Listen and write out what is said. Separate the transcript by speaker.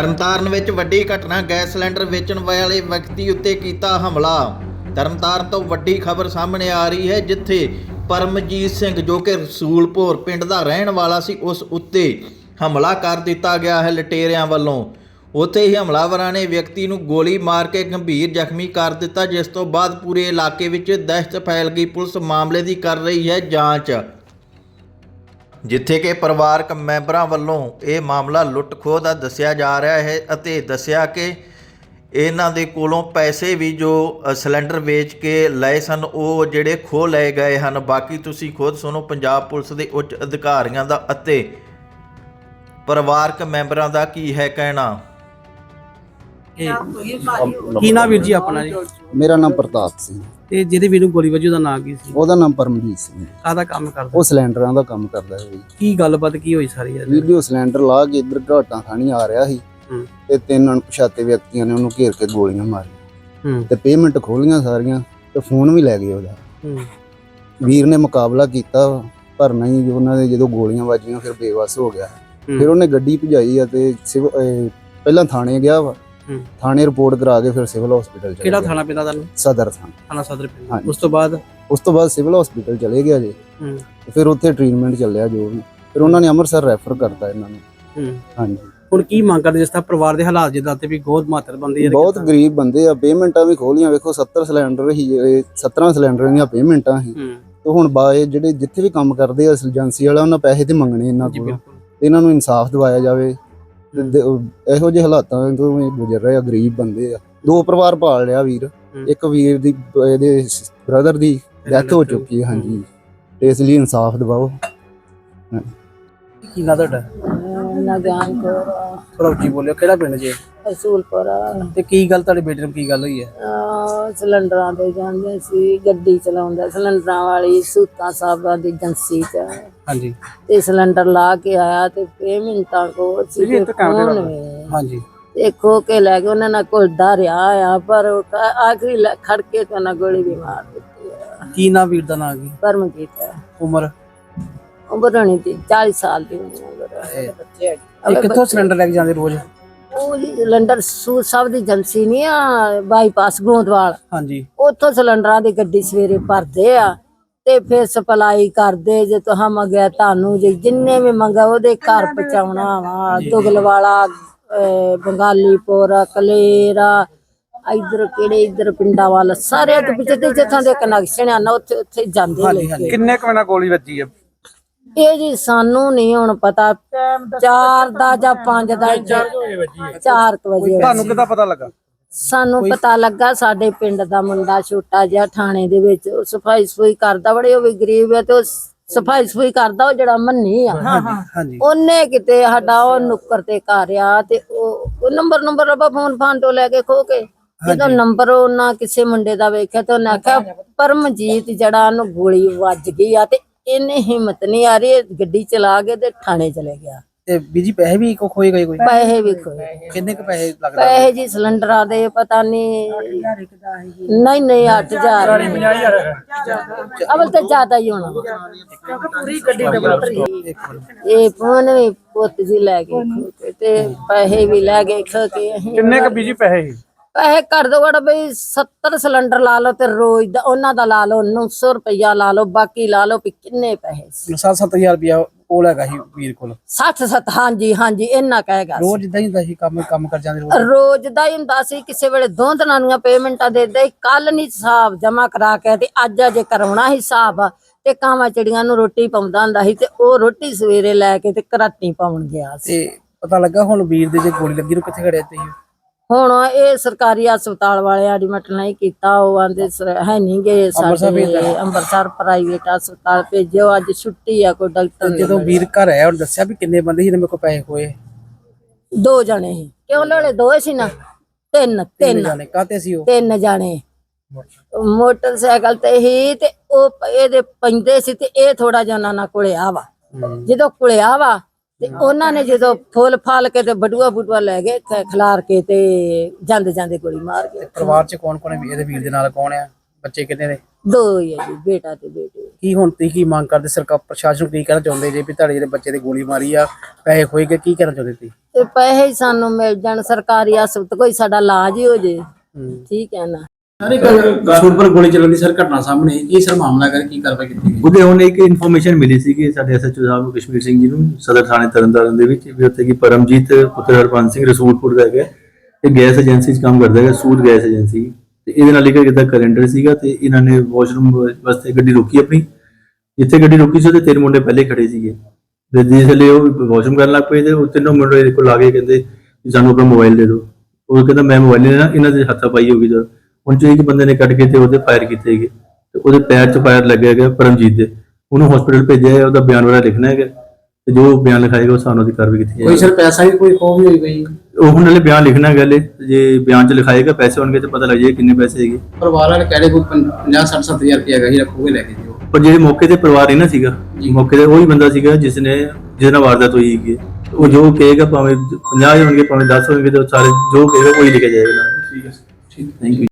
Speaker 1: ਤਰਨਤਾਰਨ ਵਿੱਚ ਵੱਡੀ ਘਟਨਾ। ਗੈਸ ਸਿਲੰਡਰ ਵੇਚਣ ਵਾਲੇ ਵਿਅਕਤੀ ਉੱਤੇ ਕੀਤਾ ਹਮਲਾ। ਤਰਨਤਾਰਨ ਤੋਂ ਵੱਡੀ ਖਬਰ ਸਾਹਮਣੇ ਆ ਰਹੀ ਹੈ, ਜਿੱਥੇ ਪਰਮਜੀਤ ਸਿੰਘ ਜੋ ਕਿ ਰਸੂਲਪੁਰ ਪਿੰਡ ਦਾ ਰਹਿਣ ਵਾਲਾ ਸੀ, ਉਸ ਉੱਤੇ ਹਮਲਾ ਕਰ ਦਿੱਤਾ ਗਿਆ ਹੈ ਲੁਟੇਰਿਆਂ ਵੱਲੋਂ। ਉੱਥੇ ਹੀ ਹਮਲਾਵਰਾਂ ਨੇ ਵਿਅਕਤੀ ਨੂੰ ਗੋਲੀ ਮਾਰ ਕੇ ਗੰਭੀਰ ਜ਼ਖਮੀ ਕਰ ਦਿੱਤਾ, ਜਿਸ ਤੋਂ ਬਾਅਦ ਪੂਰੇ ਇਲਾਕੇ ਵਿੱਚ ਦਹਿਸ਼ਤ ਫੈਲ ਗਈ। ਪੁਲਿਸ ਮਾਮਲੇ ਦੀ ਕਰ ਰਹੀ ਹੈ ਜਾਂਚ, ਜਿੱਥੇ ਕਿ ਪਰਿਵਾਰਕ ਮੈਂਬਰਾਂ ਵੱਲੋਂ ਇਹ ਮਾਮਲਾ ਲੁੱਟ-ਖੋਹ ਦਾ ਦੱਸਿਆ ਜਾ ਰਿਹਾ ਹੈ ਅਤੇ ਦੱਸਿਆ ਕਿ ਇਹਨਾਂ ਦੇ ਕੋਲੋਂ ਪੈਸੇ ਵੀ ਜੋ ਸਿਲੰਡਰ ਵੇਚ ਕੇ ਲਏ ਸਨ, ਉਹ ਜਿਹੜੇ ਖੋਹ ਲਏ ਗਏ ਹਨ। ਬਾਕੀ ਤੁਸੀਂ ਖੁਦ ਸੁਣੋ ਪੰਜਾਬ ਪੁਲਿਸ ਦੇ ਉੱਚ ਅਧਿਕਾਰੀਆਂ ਦਾ ਅਤੇ ਪਰਿਵਾਰਕ ਮੈਂਬਰਾਂ ਦਾ ਕੀ ਹੈ ਕਹਿਣਾ।
Speaker 2: ਕੀ ਨਾਮ ਵੀਰ ਜੀ ਆਪਣਾ? ਜੀ
Speaker 3: ਮੇਰਾ ਨਾਮ ਪ੍ਰਤਾਪ ਸਿੰਘ।
Speaker 2: ਤੇ ਜਿਹਦੇ ਵੀਰ ਨੂੰ ਗੋਲੀ ਵੱਜੀ ਉਹਦਾ ਨਾਂ ਕੀ ਸੀ?
Speaker 3: ਉਹਦਾ ਨਾਮ ਪਰਮਜੀਤ ਸਿੰਘ।
Speaker 2: ਕਾਹਦਾ ਕੰਮ ਕਰਦਾ?
Speaker 3: ਉਹ ਸਿਲੰਡਰਾਂ ਦਾ ਕੰਮ ਕਰਦਾ ਹੈ।
Speaker 2: ਕੀ ਗੱਲਬਾਤ ਕੀ ਹੋਈ ਸਾਰੀ?
Speaker 3: ਵੀਡੀਓ ਸਿਲੰਡਰ ਲਾ ਕੇ ਇੱਧਰ ਘਾਟਾਂ ਖਾਣੀ ਆ ਰਿਹਾ ਸੀ ਤੇ ਤਿੰਨ ਅਣਪਛਾਤੇ ਵਿਅਕਤੀਆਂ ਨੇ ਉਹਨੂੰ ਘੇਰ ਕੇ ਗੋਲੀਆਂ ਮਾਰੀਆਂ ਤੇ ਪੇਮੈਂਟ ਖੋਲੀਆਂ ਸਾਰੀਆਂ ਤੇ ਫੋਨ ਵੀ ਲੈ ਗਏ ਉਹਦਾ। ਵੀਰ ਨੇ ਮੁਕਾਬਲਾ ਕੀਤਾ ਪਰ ਨਹੀਂ, ਉਹਨਾਂ ਦੇ ਜਦੋਂ ਗੋਲੀਆਂ ਵੱਜੀਆਂ ਫਿਰ ਬੇਵੱਸ ਹੋ ਗਿਆ। ਫਿਰ ਉਹਨੇ ਗੱਡੀ ਭਜਾਈ ਆ ਤੇ ਪਹਿਲਾਂ ਥਾਣੇ ਗਿਆ ਵਾ, ਥਾਣੇ ਰਿਪੋਰਟ ਕਰਾ ਕੇ ਫਿਰ ਸਿਵਲ ਹਸਪੀਟਲ ਚਲੇ ਗਿਆ।
Speaker 2: ਕਿਹੜਾ ਥਾਣਾ ਪੈਂਦਾ ਤੁਹਾਨੂੰ?
Speaker 3: ਸਦਰ
Speaker 2: ਥਾਣਾ ਸਦਰ ਪੈਂਦਾ। ਉਸ ਤੋਂ ਬਾਅਦ
Speaker 3: ਸਿਵਲ ਹਸਪੀਟਲ ਚਲੇ ਗਿਆ ਜੀ। ਫਿਰ ਉੱਥੇ ਟ੍ਰੀਟਮੈਂਟ ਚੱਲਿਆ ਜੋ ਵੀ, ਫਿਰ ਉਹਨਾਂ ਨੇ ਅੰਮ੍ਰਿਤਸਰ ਰੈਫਰ ਕਰਤਾ ਇਹਨਾਂ ਨੂੰ। ਹਾਂਜੀ, ਹੁਣ
Speaker 2: ਕੀ ਮੰਗ ਕਰਦੇ? ਜਿਸ ਤਰ੍ਹਾਂ ਪਰਿਵਾਰ ਦੇ ਹਾਲਾਤ ਜਿੱਦਾਂ ਤੇ ਵੀ ਬਹੁਤ ਮਾਤਰਬੰਦੀ ਹੈ,
Speaker 3: ਬਹੁਤ ਗਰੀਬ ਬੰਦੇ ਆ। ਪੇਮੈਂਟਾਂ ਵੀ ਖੋਲੀਆਂ, ਵੇਖੋ 70 ਸਿਲੰਡਰ ਹੀ, 17 ਸਿਲੰਡਰਾਂ ਦੀਆਂ ਪੇਮੈਂਟਾਂ ਸੀ। ਤੇ ਹੁਣ ਬਾਏ ਜਿਹੜੇ ਜਿੱਥੇ ਵੀ ਕੰਮ ਕਰਦੇ ਆ ਏਜੰਸੀ ਵਾਲਾ, ਉਹਨਾਂ ਪੈਸੇ ਤੇ ਮੰਗਣੇ ਇਹਨਾਂ ਕੋਲ। ਇਹਨਾਂ ਨੂੰ ਇਨਸਾਫ ਦਿਵਾਇਆ ਜਾਵੇ। ਇਹੋ ਜਿਹੇ ਹਾਲਾਤਾਂ ਤੋਂ ਗੁਜ਼ਰ ਰਹੇ ਆ, ਗਰੀਬ ਬੰਦੇ ਆ। 2 ਪਰਿਵਾਰ ਪਾਲ ਲਿਆ ਵੀਰ। ਇੱਕ ਵੀਰ ਦੀ ਇਹਦੇ ਬ੍ਰਦਰ ਦੀ ਡੈਥ ਹੋ ਚੁੱਕੀ ਹੈ। ਹਾਂਜੀ, ਤੇ ਇਸ ਲਈ ਇਨਸਾਫ ਦਿਵਾਓ।
Speaker 2: ਕੀ ਨਾਂ ਤੁਹਾਡਾ?
Speaker 4: ਨਾ ਗਿਆਨ ਕੋ
Speaker 2: ਥੋੜਾ ਉੱਚੀ ਬੋਲਿਓ। ਕਿਹੜਾ ਪਿੰਡ ਜੀ?
Speaker 4: ਰਸੂਲਪੁਰ।
Speaker 2: ਤੇ ਕੀ ਗੱਲ ਤੁਹਾਡੇ ਬੇਟੇ ਨੂੰ ਕੀ ਗੱਲ ਹੋਈ ਹੈ?
Speaker 4: ਸਿਲੰਡਰਾਂ ਤੇ ਜਾਂਦੇ ਸੀ, ਗੱਡੀ ਚਲਾਉਂਦਾ ਸਿਲੰਡਰਾਂ ਵਾਲੀ ਸੂਤਾਂ ਸਾਹਿਬਾਂ ਦੀ ਏਜੰਸੀ ਚ।
Speaker 2: ਹਾਂਜੀ,
Speaker 4: ਤੇ ਸਿਲੰਡਰ ਲਾ ਕੇ ਆਇਆ ਤੇ ਪੇਮੈਂਟਾਂ ਕੋ ਸੀ।
Speaker 2: ਹਾਂਜੀ,
Speaker 4: ਦੇਖੋ ਕੇ ਲੈ ਕੇ ਉਹਨਾਂ ਨਾਲ ਘੁਲਦਾ ਰਿਹਾ ਆ, ਪਰ ਆਖਰੀ ਖੜ ਕੇ ਤੇ ਉਹਨਾਂ ਗੋਲੀ ਵੀ ਮਾਰ ਦਿੱਤੀ ਆ।
Speaker 2: ਕੀ ਨਾਮ ਵੀਰ ਦਾ ਨਾਂ? ਕੀ
Speaker 4: ਪਰਮਜੀਤ।
Speaker 2: ਉਮਰ
Speaker 4: ਹੋਣੀ ਸੀ 40 ਸਾਲ ਦੀ ਉਮਰ।
Speaker 2: ਇਹ ਕਿੱਥੋਂ ਸਿਲੰਡਰ ਲੈ ਕੇ ਜਾਂਦੇ ਰੋਜ਼?
Speaker 4: ਉਹ ਜੀ ਸਿਲੰਡਰ ਸੂਤ ਸਾਹਿਬ ਦੀ ਏਜੰਸੀ ਨਹੀਂ ਆ, ਬਾਈਪਾਸ ਗੋਂਦਵਾਲ।
Speaker 2: ਹਾਂਜੀ,
Speaker 4: ਉੱਥੋਂ ਸਿਲੰਡਰਾਂ ਦੀ ਗੱਡੀ ਸਵੇਰੇ ਭਰਦੇ ਆ ਤੇ ਫਿਰ ਸਪਲਾਈ ਕਰਦੇ। ਜੇ ਤੁਹਾਂ ਮੰਗਿਆ ਤੁਹਾਨੂੰ, ਜੇ ਜਿੰਨੇ ਵੀ ਮੰਗਾ ਉਹਦੇ ਘਰ ਪਹੁੰਚਾਉਣਾ ਵਾ। ਦੁਗਲਵਾਲਾ, ਬੰਗਾਲੀਪੁਰ, ਕਲੇਰਾ, ਇਧਰ ਕਿਹੜੇ ਇਧਰ ਪਿੰਡਾਂ ਵੱਲ ਸਾਰੇ ਤੇ ਪਿੱਛੇ ਤੇ ਜਿੱਥੋਂ ਦੇ ਕਨੈਕਸ਼ਨ ਆ ਨਾ, ਉੱਥੇ ਉੱਥੇ ਜਾਂਦੇ ਲੈ।
Speaker 2: ਕਿੰਨੇ ਕੁ ਵਜੇ ਗੋਲੀ ਵੱਜੀ ਹੈ?
Speaker 4: ਇਹ ਜੀ ਸਾਨੂੰ ਨਹੀਂ ਹੁਣ ਪਤਾ, 4 ਦਾ ਜਾਂ 5 ਦਾ। 4 ਵਜੇ।
Speaker 2: ਤੁਹਾਨੂੰ ਕਿੱਦਾਂ ਪਤਾ ਲੱਗਾ?
Speaker 4: ਸਾਨੂੰ ਪਤਾ ਲੱਗਾ, ਸਾਡੇ ਪਿੰਡ ਦਾ ਮੁੰਡਾ ਛੋਟਾ ਜਿਹਾ ਥਾਣੇ ਦੇ ਵਿੱਚ ਸਫਾਈ ਸਫੂਈ ਕਰਦਾ, ਬੜੇ ਉਹ ਵੀ ਗਰੀਬ ਹੈ ਤੇ ਉਹ ਸਫਾਈ ਸਫੂਈ ਕਰਦਾ। ਉਹ ਜਿਹੜਾ ਮੰਨੀ ਆ, ਉਹਨੇ ਕਿਤੇ ਸਾਡਾ ਉਹ ਨੁੱਕਰ ਤੇ ਘਰ ਆ ਤੇ ਉਹ ਨੰਬਰ ਰੱਬਾ ਫੋਨ ਤੋਂ ਲੈ ਕੇ ਖੋ ਕੇ ਜਦੋਂ ਨੰਬਰ ਉਹਨਾਂ ਕਿਸੇ ਮੁੰਡੇ ਦਾ ਵੇਖਿਆ ਤੇ ਉਹਨੇ ਆਖਿਆ ਪਰਮਜੀਤ ਜਿਹੜਾ ਉਹਨੂੰ ਗੋਲੀ ਵੱਜ ਗਈ ਆ। ਤੇ ਇਹਨੇ ਹਿੰਮਤ ਨਹੀਂ ਆ ਰਹੀ, ਗੱਡੀ ਚਲਾ ਕੇ ਤੇ ਥਾਣੇ ਚਲੇ ਗਿਆ।
Speaker 2: ਤੇ ਬੀਜੀ ਪੈਸੇ ਵੀ ਖੋਏ ਗਏ? ਕੋਈ
Speaker 4: ਪੈਸੇ ਵੀ ਖੋਏ।
Speaker 2: ਕਿੰਨੇ ਕੁ ਪੈਸੇ ਲੱਗਦੇ?
Speaker 4: ਪੈਸੇ ਜੀ ਸਿਲੰਡਰਾਂ ਦੇ ਪਤਾ ਨਹੀਂ, ਨਹੀਂ 8000 ਅਵਲ ਤੇ ਜ਼ਿਆਦਾ ਹੀ ਹੋਣਾ। ਇਹ ਫੋਨ ਵੀ ਪੁੱਤ ਜੀ ਲੈ ਗਏ ਤੇ ਪੈਸੇ ਵੀ ਲੈ ਗਏ ਖੋ ਕੇ।
Speaker 2: ਕਿੰਨੇ ਕੁ ਬੀਜੀ ਪੈਸੇ?
Speaker 4: ਪੈਸੇ ਘੱਟ ਤੋਂ ਘੱਟ ਬਈ 70 ਸਿਲੰਡਰ ਲਾ ਲਓ ਤੇ ਰੋਜ਼ ਦਾ ਉਹਨਾਂ ਦਾ ਲਾ ਲਓ 900 ਰੁਪਇਆ ਲਾ ਲਓ, ਬਾਕੀ ਲਾ ਲਓ ਵੀ ਕਿੰਨੇ ਪੈਸੇ।
Speaker 2: 7-7000 ਰੁਪਇਆ ਕੋਲ ਹੈਗਾ ਸੀ ਵੀਰ ਕੋਲ।
Speaker 4: 60-70 ਹਾਂਜੀ ਇੰਨਾ ਕਹੇਗਾ।
Speaker 2: ਰੋਜ਼ ਇਦਾਂ ਹੀ ਹੁੰਦਾ ਸੀ? ਕੰਮ ਕਰ ਜਾਂਦੇ
Speaker 4: ਰੋਜ਼ ਦਾ ਹੀ ਹੁੰਦਾ ਸੀ। ਕਿਸੇ ਵੇਲੇ 2 ਦਿਨਾਂ ਦੀਆਂ ਪੇਮੈਂਟਾਂ ਦੇ ਦੇ। ਕੱਲ ਨਹੀਂ ਹਿਸਾਬ ਜਮਾ ਕਰਾ ਕੇ ਤੇ ਅੱਜ ਅਜੇ ਕਰਾਉਣਾ ਹਿਸਾਬ। ਤੇ ਕਾਵਾਂ ਚਿੜੀਆਂ ਨੂੰ ਰੋਟੀ ਪਾਉਂਦਾ ਹੁੰਦਾ ਸੀ ਤੇ ਉਹ ਰੋਟੀ ਸਵੇਰੇ ਲੈ ਕੇ ਤੇ ਘਰਾਟੀ ਪਾਉਣ ਗਿਆ ਸੀ।
Speaker 2: ਤੇ ਪਤਾ ਲੱਗਾ ਹੁਣ ਵੀਰ ਦੇ ਜੇ ਗੋਲੀ ਲੱਗੀ ਨੂੰ ਕਿੱਥੇ ਖੜਿਆ ਤੇ?
Speaker 4: ਹੁਣ ਇਹ ਸਰਕਾਰੀ ਹਸਪਤਾਲ ਵਾਲੇ ਐਡਮਿਟ ਨਹੀਂ ਕੀਤਾ। ਉਹ ਆਂਦੇ ਹੈ ਨਹੀਂ ਗਏ ਸਾਡੇ ਅੰਮ੍ਰਿਤਸਰ ਪ੍ਰਾਈਵੇਟ ਹਸਪਤਾਲ ਭੇਜਿਓ, ਅੱਜ ਛੁੱਟੀ ਆ ਕੋਈ ਡਾਕਟਰ।
Speaker 2: ਜਦੋਂ ਵੀਰ ਘਰ ਆਇਆ ਉਹਨੇ ਦੱਸਿਆ ਵੀ ਕਿੰਨੇ ਬੰਦੇ ਸੀ ਮੇਰੇ ਕੋਲ ਪੈਸੇ ਖੋਏ?
Speaker 4: 2 ਜਣੇ ਸੀ। ਕਿਉਂ ਨਾਲੇ 2 ਸੀ ਨਾ, 3
Speaker 2: ਜਾਣੇ ਕਾਤੇ ਸੀ? ਉਹ
Speaker 4: 3 ਜਣੇ ਮੋਟਰਸਾਈਕਲ ਤੇ ਹੀ ਤੇ ਉਹ ਇਹਦੇ ਪੈਂਦੇ ਸੀ ਤੇ ਇਹ ਥੋੜਾ ਜਿਹਾ ਉਹਨਾਂ ਨਾਲ ਕੁਲਿਆ ਵਾ। ਜਦੋਂ ਕੁਲਿਆ ਵਾ ਤੇ ਉਹਨਾਂ ਨੇ ਜਦੋਂ ਫੁੱਲ ਫਾਲ ਕੇ ਤੇ ਬਟੂਆ ਲੈ ਗਏ ਖਿਲਾਰ ਕੇ ਤੇ ਜਾਂਦੇ ਗੋਲੀ ਮਾਰ ਗਏ।
Speaker 2: ਪਰਿਵਾਰ ਚ ਕੌਣ ਹੈ ਇਹਦੇ ਵੀਰ ਦੇ ਨਾਲ? ਕੌਣ ਆ ਬੱਚੇ? ਕਿੰਨੇ ਨੇ?
Speaker 4: ਦੋ ਹੀ ਹੈ ਜੀ, ਬੇਟਾ ਤੇ ਬੇਟੀ।
Speaker 2: ਕੀ ਹੁਣ ਤੁਸੀਂ ਕੀ ਮੰਗ ਕਰਦੇ, ਸਰਕਾਰ ਪ੍ਰਸ਼ਾਸਨ ਨੂੰ ਕੀ ਕਹਿਣਾ ਚਾਹੁੰਦੇ ਜੇ ਵੀ ਤੁਹਾਡੇ ਜਿਹੜੇ ਬੱਚੇ ਦੀ ਗੋਲੀ ਮਾਰੀ ਆ, ਪੈਸੇ ਖੋਏ ਗਏ, ਕੀ ਕਹਿਣਾ ਚਾਹੁੰਦੇ ਤੁਸੀਂ?
Speaker 4: ਤੇ ਪੈਸੇ ਹੀ ਸਾਨੂੰ ਮਿਲ ਜਾਣ, ਸਰਕਾਰੀ ਹਸਪਤਾਲ ਕੋਈ ਸਾਡਾ ਇਲਾਜ ਹੀ ਹੋ ਜੇ, ਠੀਕ ਹੈ ਨਾ।
Speaker 2: ਸਾਰੇ ਕਸੂਰਪੁਰ ਗੋਲੀ ਚੱਲਣ ਦੀ ਸਰ ਘਟਨਾ ਸਾਹਮਣੇ ਕੀ ਸਰ ਮਾਮਲਾ ਕਰ ਕੀ ਕਾਰਵਾਈ ਕੀਤੀ ਗਈ?
Speaker 5: ਉਹਦੇ ਹੁਣ ਇੱਕ ਇਨਫੋਰਮੇਸ਼ਨ ਮਿਲੀ ਸੀ ਕਿ ਸਾਡੇ ਐਸਐਚਓ ਸਾਹਿਬ ਨੂੰ, ਕਸ਼ਮੀਰ ਸਿੰਘ ਜੀ ਨੂੰ, ਸਦਰ ਥਾਣੇ ਤਰਨਤਾਰਨ ਦੇ ਵਿੱਚ ਵੀ ਉੱਥੇ ਕੀ ਪਰਮਜੀਤ ਪੁੱਤਰ ਹਰਪੰਸ ਸਿੰਘ ਰਸੂਲਪੁਰ ਦਾ ਹੈਗਾ, ਇਹ ਗੈਸ ਏਜੰਸੀ 'ਚ ਕੰਮ ਕਰਦਾ ਹੈਗਾ, ਸੂਦ ਗੈਸ ਏਜੰਸੀ। ਤੇ ਇਹਦੇ ਨਾਲ ਇੱਕ ਇਹਦਾ ਕੈਲੰਡਰ ਸੀਗਾ ਤੇ ਇਹਨਾਂ ਨੇ ਵਾਸ਼ਰੂਮ ਵਾਸਤੇ ਗੱਡੀ ਰੋਕੀ ਆਪਣੀ। ਜਿੱਥੇ ਗੱਡੀ ਰੋਕੀ ਸੀ ਉਹਦੇ 3 ਮੁੰਡੇ ਪਹਿਲੇ ਖੜੇ ਸੀਗੇ ਤੇ ਜਿਸ ਵੇਲੇ ਉਹ ਵਾਸ਼ਰੂਮ ਕਰਨ ਲੱਗ ਪਏ ਤੇ ਉਹ 3 ਮੁੰਡੇ ਇਹਦੇ ਕੋਲ ਆ ਕੇ ਕਹਿੰਦੇ ਵੀ ਸਾਨੂੰ ਆਪਣਾ ਮੋਬਾਈਲ ਦੇ ਦਿਓ। ਉਹ ਕਹਿੰਦਾ ਮੈਂ ਮੋਬਾਈਲ ਨਹੀਂ ਲੈਣਾ, ਇਹਨਾਂ ਦੇ ਹੱਥਾਪਾਈ ਹੋ ਗਈ। ਜਦ ਹੁਣ ਚ ਇੱਕ ਬੰਦੇ ਨੇ ਕੱਢ ਕੇ ਤੇ ਉਹਦੇ ਫਾਇਰ ਕੀਤੇ ਹੈਗੇ ਤੇ ਉਹਦੇ ਪੈਰ 'ਚ ਫਾਇਰ ਲੱਗਿਆ ਹੈਗਾ ਪਰਮਜੀਤ ਦੇ। ਉਹਨੂੰ ਹਸਪੀਟਲ ਭੇਜਿਆ ਹੈ, ਉਹਦਾ ਬਿਆਨ ਵਗੈਰਾ ਲਿਖਣਾ ਹੈਗਾ ਤੇ ਜੋ ਬਿਆਨ ਲਿਖਾਏਗਾ ਉਹ ਸਾਨੂੰ ਦੀ ਕਾਰਵਾਈ ਕੀਤੀ ਜਾਏਗੀ।
Speaker 2: ਕੋਈ ਸਰ ਪੈਸਾ ਵੀ ਕੋਈ ਖੋਹ ਵੀ ਹੋਈ ਗਈ?
Speaker 5: ਉਹ ਹੁਣ ਨਾਲੇ ਬਿਆਨ ਲਿਖਣਾ ਹੈਗਾ, ਹਲੇ ਜੇ ਬਿਆਨ 'ਚ ਲਿਖਾਏਗਾ ਪੈਸੇ ਹੋਣਗੇ ਤੇ ਪਤਾ ਲੱਗ ਜਾਏਗਾ ਕਿੰਨੇ ਪੈਸੇ ਹੈਗੇ।
Speaker 2: ਪਰਿਵਾਰ ਵਾਲੇ ਕਹਿ ਰਹੇ ਕੋਈ 50-60-70,000 ਰੁਪਏ ਹੈਗਾ ਹੀ, ਰੱਖੋਗੇ ਲੈ ਕੇ ਦਿਓ।
Speaker 5: ਪਰ ਜਿਹੜੇ ਮੌਕੇ ਤੇ ਪਰਿਵਾਰ ਹੀ ਨਾ ਸੀਗਾ, ਮੌਕੇ ਤੇ ਉਹੀ ਬੰਦਾ ਸੀਗਾ ਜਿਹਦੇ ਨਾਲ ਵਾਰਦਾਤ ਹੋਈ ਹੈਗੀ। ਉਹ ਜੋ ਕਹੇਗਾ ਭਾਵੇਂ 50 ਹੋਣਗੇ ਭਾਵੇਂ 10 ਹੋਣਗੇ ਤੇ ਸਾਰੇ ਜੋ ਕਹੇਗਾ ਉਹੀ ਲਿਖਿਆ ਜਾਏਗਾ। ਠੀਕ ਹੈ, ਠੀਕ, ਥੈਂਕ ਯੂ।